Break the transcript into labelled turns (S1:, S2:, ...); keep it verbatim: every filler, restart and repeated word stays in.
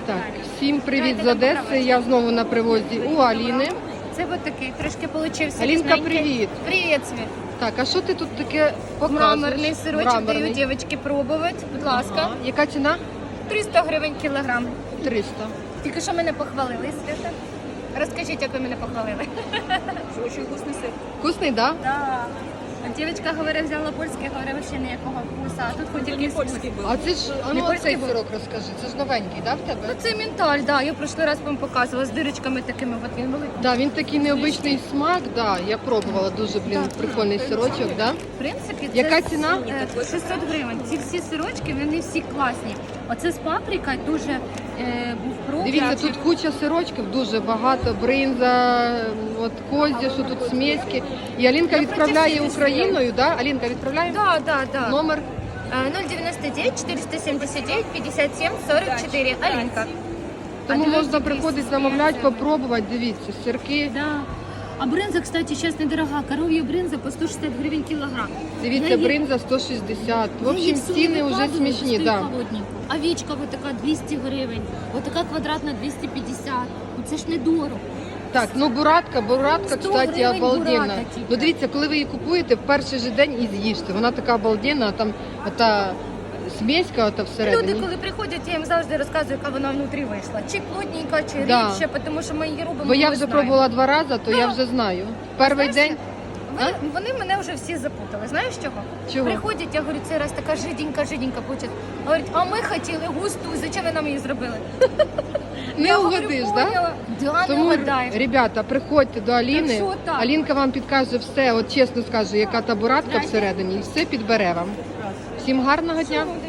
S1: Так, всім привіт з Одеси. Я знову на привозі у Аліни.
S2: Це от такий трошки получився.
S1: Алінка,
S2: різненький.
S1: привіт.
S2: Привіт, Світ.
S1: Так, а що ти тут таке показуєш?
S2: Мраморний сирочок
S1: Мраморний.
S2: даю дівчатки пробувати. Будь ласка.
S1: Ага. Яка ціна?
S2: триста гривень кілограм.
S1: триста.
S2: Тільки що мене похвалили, Свята. Розкажіть, як ви мене похвалили. Дуже вкусний сир.
S1: Вкусний, так? Да?
S2: Так. Дівчинка говорить, взяла польський, говорить, ще ніякого вкуса. А тут хоч якийсь польський був.
S1: А це ж, а
S2: Не
S1: ну
S2: польський
S1: оцей
S2: був?
S1: сирок розкажи. Це ж новенький, да, в тебе?
S2: Ну це менталь, да. Я в прошлий раз вам показувала з дирочками такими. От він великий.
S1: Да, він такий необичний смак, да. Я пробувала дуже, блін, прикольний сирочок, да?
S2: В принципі, це
S1: Яка ціна?
S2: е, шістсот гривень. Ці всі сирочки, вони всі класні. Оце з паприка дуже е, був пробник.
S1: Дивіться, тут куча сирочків, дуже багато, бринза, от козі, що тут смеськи. І Алінка
S2: Я
S1: відправляє
S2: проти всіх
S1: Україною, да? Алінка відправляє?
S2: Да, да, да.
S1: Номер?
S2: Е, нуль дев'яносто дев'ять чотириста сімдесят дев'ять п'ятдесят сім сорок чотири. Алінка.
S1: Тому
S2: А
S1: можна
S2: двісті
S1: приходити, замовляти, попробувати, дивіться, сирки.
S2: Да. А бринза, кстати, сейчас недорога. Коров'я бринза по сто шістдесят гривень кілограм.
S1: Дивіться,
S2: Я її-
S1: бринза сто шістдесят. В
S2: Я її
S1: общем,
S2: всю
S1: ціни вже
S2: викладую,
S1: смішні,
S2: стою
S1: да.
S2: холодненько. Овечка вот така двісті гривень, вот така квадратна двісті п'ятдесят. Ну це ж не дорого.
S1: Так, ну буратка, буратка,
S2: сто
S1: кстати,
S2: гривень
S1: обалденна.
S2: буратка тільки.
S1: Ну дивіться, коли ви її купуєте, в перший же день і з'їжте. Вона така обалденна, там ота смеська ота всередині.
S2: Люди, коли приходять, я їм завжди розказую, яка вона внутрі вийшла. Чи плотненька, чи
S1: Да.
S2: рідше, тому що ми її робимо.
S1: Бо я
S2: ми
S1: вже
S2: знаємо.
S1: пробувала два рази, то я вже знаю. Перший
S2: Знаєш,
S1: день.
S2: Вони, вони мене вже всі запутали. Знаєш чого?
S1: Чого?
S2: Приходять, я говорю, цей раз така жиденька, жиденька получить. Говорять, а ми хотіли густу, зачем ви нам її зробили?
S1: Не
S2: Я говорю,
S1: угодиш, так?
S2: поняла. Да, не
S1: Тому,
S2: угадаєш.
S1: ребята, приходьте до Аліни.
S2: що так?
S1: Алінка вам підкаже все, от чесно скаже, яка та буратка
S2: Здрасте.
S1: всередині, і все підбере вам. Всім гарного дня.